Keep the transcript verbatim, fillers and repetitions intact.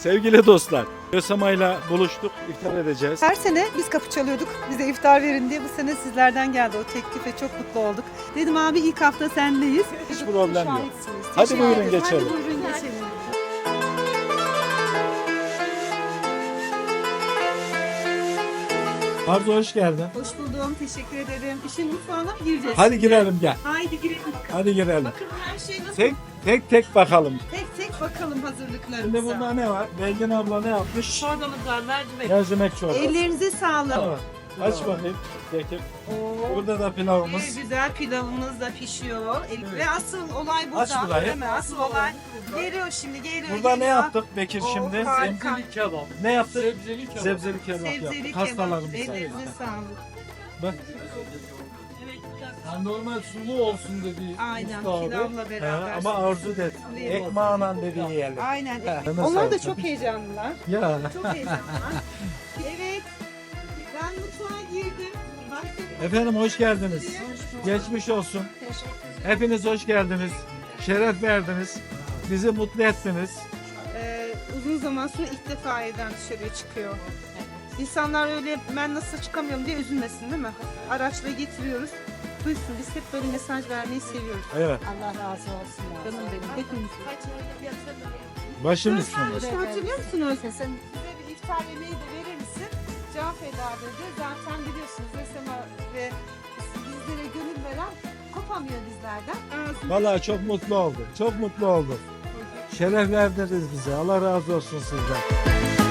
Sevgili dostlar, Rösama'yla buluştuk, iftar edeceğiz. Her sene biz kapı çalıyorduk, bize iftar verin diye. Bu sene sizlerden geldi o teklif ve çok mutlu olduk. Dedim abi ilk hafta sendeyiz. Hiç problem yok. Şahitsiniz. Hadi Teşekkür buyurun ederim. geçelim. Hadi buyurun geçelim. Arzu hoş geldin. Hoş buldum, teşekkür ederim. İşin mutfağına mı gireceğiz? Hadi girelim gel. Haydi girelim bakalım. Hadi girelim. Bakın her şey nasıl? Tek tek tek bakalım. Tek tek bakalım hazırlıklarımıza. Şimdi burada ne var? Belgin abla ne yapmış? Çorbamız var, mercimek. Mercimek çorbası. Ellerinize sağlık. Tamam. Aç bakayım. Peki. Oo. Burada da Bir pilavımız. güzel pilavımız da pişiyor. El- Ve asıl olay burada. Aç burayı. Değil mi? Asıl olay geliyor şimdi, geliyor. Burada ne geliyor. yaptık Bekir Oo, şimdi? harika. Sebzeli kebap. Ne yaptık? Sebzeli kebap. Sebzeli kebap Sebzeli yaptık. kebap. Hastalarımıza. Ellerinize sağlık. Bak. Yani normal sulu olsun dedi. Aynen, usta abi. pilavla Ha, beraber. ama arzu dedi. Ekmağına dediği yerler. Aynen. Ha, Onlar da nasıl? çok heyecanlılar. Ya. Çok heyecanlılar. Evet. Ben mutfağa girdim. Baktım. Efendim hoş geldiniz. Geçmiş olsun. Hepiniz hoş geldiniz. Şeref verdiniz. Bizi mutlu ettiniz. Ee, uzun zaman sonra ilk defa evden dışarıya çıkıyor. İnsanlar öyle ben nasıl çıkamıyorum diye üzülmesin değil mi? Araçla getiriyoruz. Duysun, biz hep böyle mesaj vermeyi seviyoruz. Evet. Allah razı olsun. Canım benim, hepimiz. Başım Sen üstünde. işte hatırlıyor musunuz? Sesin Bize bir iftar yemeği de verir misin? Can feda dedi. Zaten biliyorsunuz Resema ve bizlere gönül veren kopamıyor bizlerden. Ağzını Vallahi çok mutlu oldum. Çok mutlu oldum. Şeref verdiniz bize. Allah razı olsun sizden.